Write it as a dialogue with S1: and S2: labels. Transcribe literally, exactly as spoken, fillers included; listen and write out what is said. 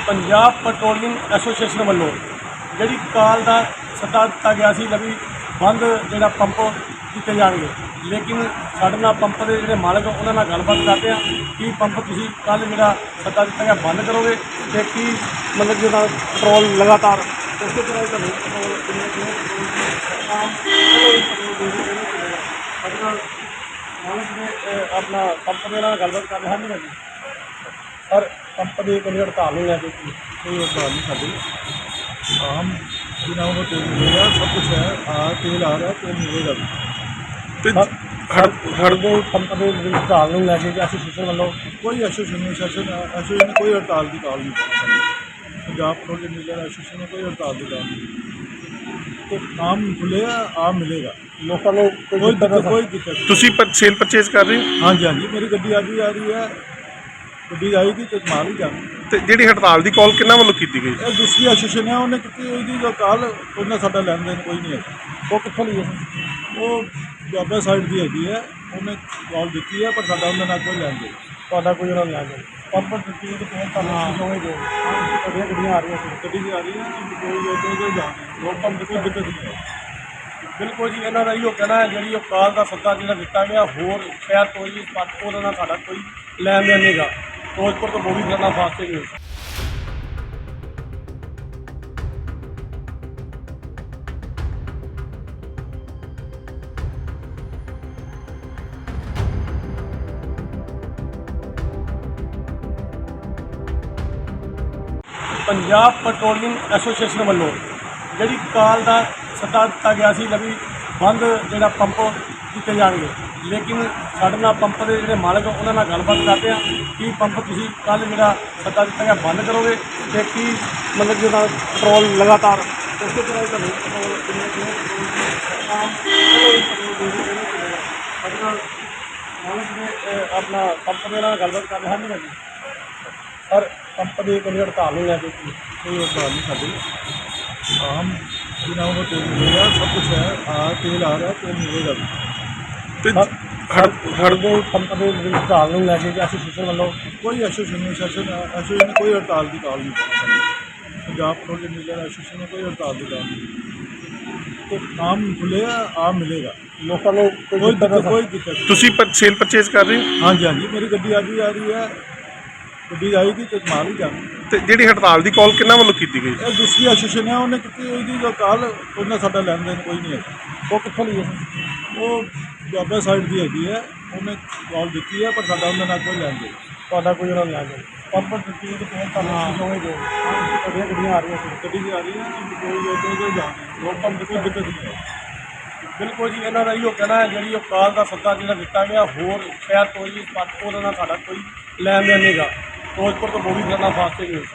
S1: Punjab petroleum association ਵੱਲੋਂ ਜਿਹੜੀ ਕਾਲ ਦਾ ਸੱਦਾ ਦਿੱਤਾ ਗਿਆ ਸੀ ਵੀ ਬੰਦ ਜਿਹੜਾ ਪੰਪ ਕੀਤੇ ਜਾਣਗੇ, ਲੇਕਿਨ ਸਾਡੇ ਨਾਲ ਪੰਪ ਦੇ ਜਿਹੜੇ ਮਾਲਕ ਉਹਨਾਂ ਨਾਲ ਗੱਲਬਾਤ ਕਰਦੇ ਆ ਕਿ ਪੰਪ ਤੁਸੀਂ ਕੱਲ੍ਹ ਜਿਹੜਾ ਸੱਦਾ ਦਿੱਤਾ ਗਿਆ ਬੰਦ ਕਰੋਗੇ ਅਤੇ ਕੀ ਮਤਲਬ ਜਿਹਦਾ ਪੈਟਰੋਲ ਲਗਾਤਾਰ ਉਸੇ ਤਰ੍ਹਾਂ ਤੁਹਾਨੂੰ ਪੈਟਰੋਲ ਕਿੰਨੇ ਕਿੰਨੇ ਸਾਡੇ ਨਾਲ ਮਾਲਕ ਨੇ ਆਪਣਾ ਪੰਪ ਦੇ ਨਾਲ ਗੱਲਬਾਤ ਕਰ ਰਹੇ ਹਨ ਜੀ ਸਰ। ਪੰਪ ਦੀ ਕੋਈ ਹੜਤਾਲ ਨਹੀਂ ਲੈ ਕੇ
S2: कोई हड़ताल नहीं खाती। आम बिना वो तेल मिलेगा, सब कुछ है। आ तेल आ रहा है, तेल मिलेगा भी।
S1: हड़ताल पंप के हड़ताल नहीं लैके एसोसीएशन वालों
S2: कोई एसोसीएशन एसोसीएशन ने कोई हड़ताल की कॉल नहीं की। पंजाब पेट्रोलियम डीलर एसोसीएशन ने कोई हड़ताल की कॉल नहीं की। तो आम खुलेगा, आम मिलेगा।
S1: लोगों को
S2: कोई दिक्कत कोई दिक्कत
S3: ਤੁਸੀਂ ਪਰ ਸੇਲ ਪਰਚੇਜ਼ ਕਰ ਰਹੇ ਹੋ?
S2: हाँ जी हाँ जी, मेरी गड्डी अज भी आ रही है, गड्डी आएगी तो माल ही जाना।
S3: ਤੇ ਜਿਹੜੀ ਹੜਤਾਲ ਦੀ ਕਾਲ ਕਿਹਨਾਂ ਵੱਲੋਂ ਕੀਤੀ ਗਈ?
S2: ਇਹ ਦੂਸਰੀ ਐਸੋਸੀਏਸ਼ਨ ਹੈ, ਉਹਨੇ ਕੀਤੀ ਉਹਦੀ ਜੋ ਕਾਲ ਉਹਨਾਂ ਸਾਡਾ ਲੈਣ ਦੇਣ ਕੋਈ ਨਹੀਂ ਹੈ।
S1: वो कितों ली है?
S2: ਉਹ ਬਾਬਾ ਸਾਈਡ ਦੀ ਹੈਗੀ ਹੈ, ਉਹਨੇ ਕਾਲ ਦਿੱਤੀ ਹੈ, ਪਰ ਸਾਡਾ ਉਹਨਾਂ ਨਾਲ ਕੋਈ ਲੈਣ ਦੇਣ
S1: ਤੁਹਾਡਾ ਕੋਈ ਉਹਨਾਂ ਲੈ ਜਾਓ ਪੰਪ ਦਿੱਤੀ ਹੈ ਕਿ ਤੁਹਾਨੂੰ ਦੋਵੇਂ ਜੋ ਤੁਹਾਡੀਆਂ ਗੱਡੀਆਂ ਆ ਰਹੀਆਂ ਸੀ
S2: ਗੱਡੀ 'ਚ ਆ ਰਹੀ ਹੈ, ਕੋਈ ਕੋਈ ਕੋਈ ਜਾਣ
S1: ਲੋਕ ਪੰਪ
S2: ਕੋਈ ਦਿੱਕਤ ਨਹੀਂ ਹੈ।
S1: ਬਿਲਕੁਲ ਜੀ, ਇਹਨਾਂ ਦਾ ਇਹੋ ਕਹਿਣਾ ਹੈ ਜਿਹੜੀ ਉਹ ਕਾਲ ਦਾ ਸੱਦਾ ਜਿਹੜਾ ਦਿੱਤਾ ਗਿਆ ਹੋਰ ਸ਼ਹਿਰ ਤੋਂ ਜੀ ਪੱਟ ਉਹਦੇ ਨਾਲ ਸਾਡਾ ਕੋਈ ਲੈਣ ਦੇਣ ਨਹੀਂਗਾ। ਫਿਰੋਜ਼ਪੁਰ ਤੋਂ ਬੋਵੀ ਕਰਨਾ ਫਾਸਟੇ ਨਿਊਜ਼। ਪੰਜਾਬ ਪੈਟਰੋਲੀਅਮ ਐਸੋਸੀਏਸ਼ਨ ਵੱਲੋਂ ਜਿਹੜੀ ਕਾਲ ਦਾ ਸੱਦਾ ਦਿੱਤਾ ਗਿਆ ਸੀ ਵੀ ਬੰਦ ਜਿਹੜਾ ਪੰਪ ਕੀਤੇ ਜਾਣਗੇ, ਲੇਕਿਨ ਸਾਡੇ ਨਾਲ ਪੰਪ ਦੇ ਜਿਹੜੇ ਮਾਲਕ ਉਹਨਾਂ ਨਾਲ ਗੱਲਬਾਤ ਕਰਦੇ ਆ ਕਿ ਪੰਪ ਤੁਸੀਂ ਕੱਲ੍ਹ ਜਿਹੜਾ ਸੱਦਾ ਦਿੱਤਾ ਗਿਆ ਬੰਦ ਕਰੋਗੇ ਅਤੇ ਕੀ ਮਤਲਬ ਜਿਹਦਾ ਪੈਟਰੋਲ ਲਗਾਤਾਰ ਉਸੇ ਤਰ੍ਹਾਂ ਹੀ ਤੁਹਾਨੂੰ ਪੈਟਰੋਲ ਕਿੰਨੇ ਕਿੰਨੇ ਸਾਡੇ ਨਾਲ ਮਾਲਕ ਨੇ ਆਪਣਾ ਪੰਪ ਦੇ ਨਾਲ ਗੱਲਬਾਤ ਕਰ ਰਹੇ ਹਨ ਜੀ ਸਰ। ਪੰਪ ਦੀ ਕੋਈ ਹੜਤਾਲ ਨਹੀਂ ਲੈ ਕੇ
S2: कोई हड़ताल नहीं खाती। आम बिना वो तेल मिलेगा, सब कुछ है। आ तेल आ रहा है, तेल मिलेगा भी।
S3: ਤੇ
S1: ਹੜਦੇ ਪੰਪ ਦੇ ਹੜਤਾਲ ਨਹੀਂ ਲੈ ਕੇ ਐਸੋਸੀਏਸ਼ਨ ਵੱਲੋਂ
S2: कोई एसोसीएशन एसोसीएशन ने कोई हड़ताल की कॉल नहीं की। पंजाब पेट्रोलियम डीलर एसोसीएशन ने कोई हड़ताल की कॉल नहीं की। तो आम खुलेगा, आम मिलेगा।
S1: ਲੋਕਾਂ ਨੂੰ
S2: कोई दिक्कत कोई दिक्कत
S3: ਤੁਸੀਂ ਪਰ ਸੇਲ ਪਰਚੇਜ਼ ਕਰ ਰਹੇ ਹੋ?
S2: हाँ जी हाँ जी, मेरी गड्डी अज भी आ रही है, गड्डी आएगी तो माल ही जाना।
S3: ਤੇ ਜਿਹੜੀ ਹੜਤਾਲ ਦੀ ਕਾਲ ਕਿਹਨਾਂ ਵੱਲੋਂ ਕੀਤੀ ਗਈ?
S2: ਇਹ ਦੂਸਰੀ ਐਸੋਸੀਏਸ਼ਨ ਹੈ, ਉਹਨੇ ਕੀਤੀ ਉਹਦੀ ਜੋ ਕਾਲ ਉਹਨਾਂ ਸਾਡਾ ਲੈਣ ਦੇਣ ਕੋਈ ਨਹੀਂ ਹੈ।
S1: ਉਹ ਕਿੱਥੋਂ ਲਈ ਹੈ?
S2: ਉਹ ਬਾਬਾ ਸਾਈਡ ਦੀ ਹੈਗੀ ਹੈ, ਉਹਨੇ ਕਾਲ ਦਿੱਤੀ ਹੈ, ਪਰ ਸਾਡਾ ਉਹਨਾਂ ਨਾਲ ਕੋਈ ਲੈਣ ਦੇਣ
S1: ਤੁਹਾਡਾ ਕੋਈ ਉਹਨਾਂ ਲੈ ਜਾਓ ਪੰਪ ਦਿੱਤੀ ਹੈ ਕਿ ਤੁਹਾਨੂੰ ਦੋਵੇਂ ਜੋ ਤੁਹਾਡੀਆਂ ਗੱਡੀਆਂ ਆ ਰਹੀਆਂ ਸੀ
S2: ਗੱਡੀ 'ਚ ਆ ਰਹੀ ਹੈ, ਕੋਈ ਕੋਈ ਕੋਈ ਜਾਣ
S1: ਲੋਕ ਪੰਪ
S2: ਕੋਈ ਦਿੱਕਤ ਨਹੀਂ ਹੈ।
S1: ਬਿਲਕੁਲ ਜੀ, ਇਹਨਾਂ ਦਾ ਇਹੋ ਕਹਿਣਾ ਹੈ ਜਿਹੜੀ ਉਹ ਕਾਲ ਦਾ ਸੱਦਾ ਜਿਹੜਾ ਦਿੱਤਾ ਗਿਆ ਹੋਰ ਸ਼ਹਿਰ ਤੋਂ ਜੀ ਪੱਟ ਉਹਦੇ ਨਾਲ ਸਾਡਾ ਕੋਈ ਲੈਣ ਦੇਣ ਨਹੀਂਗਾ। ਫਿਰੋਜ਼ਪੁਰ ਤੋਂ ਬੋਵੀ ਕਰਨਾ ਫਾਸਟੇ ਨਿਊਜ਼।